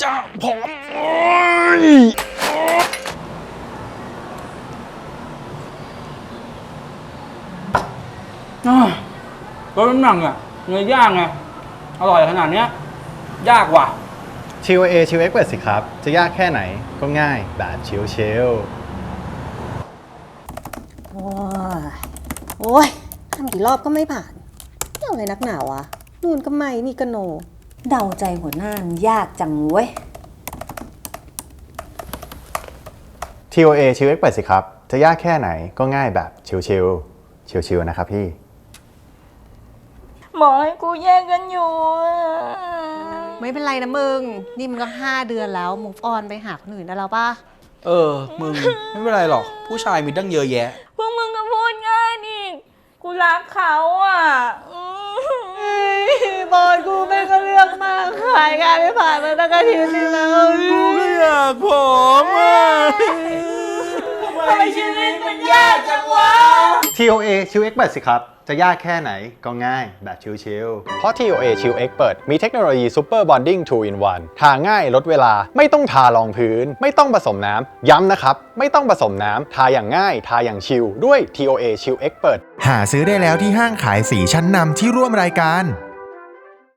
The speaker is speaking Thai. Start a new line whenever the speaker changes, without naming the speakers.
จะผอมลดน้ำหนักอ่ะเนื้อย่างไงอร่อยขนาดเนี้ยยากว่ะ
ชิลเอชิลเอ็กเปิดสิครับจะยากแค่ไหนก็ง่ายแบบชิล
โอ้ยทำกี่รอบก็ไม่ผ่านเรื่องอะไรนักหนาวะนู่นก็ไม่นี่ก็โน เดาใจหัวหน้ายากจังเว้ย
TOA ชิลเอ็กเปิดสิครับจะยากแค่ไหนก็ง่ายแบบชิลนะครับพี่
บอกให้กูแยกกันอยู่
ไม่เป็นไรนะมึง นี่มันก็5 เดือนแล้ว move on ไปหาคนอื่นได้แล้วป่ะ
มึง ไม่เป็นไรหรอก ผู้ชายมีตั้งเยอะแยะ
พวกมึงก็พูดง่ายนี่ กูรักเขาอ่ะ
บอลกูไม่ก็เลือกมากขายงานไม่ผ่านมาตั้งอาทิตย์นึงแล้ว
กูก็อยากผอมอ่ะ
ทำไมชีวิตมันยากจังวะ
TOA ชิลเอ็กเปิดสิครับจะยากแค่ไหนก็ง่ายแบบชิลเพราะ TOA ชิลเอ็กเปิดมีเทคโนโลยี Super Bonding 2 in 1 ทาง่ายลดเวลาไม่ต้องทารองพื้นไม่ต้องผสมน้ำย้ำนะครับไม่ต้องผสมน้ำทาอย่างง่ายทาอย่างชิลด้วย TOA ชิลเอ็กเปิด
หาซื้อได้แล้วที่ห้างขายสีชั้นนำที่ร่วมรายการ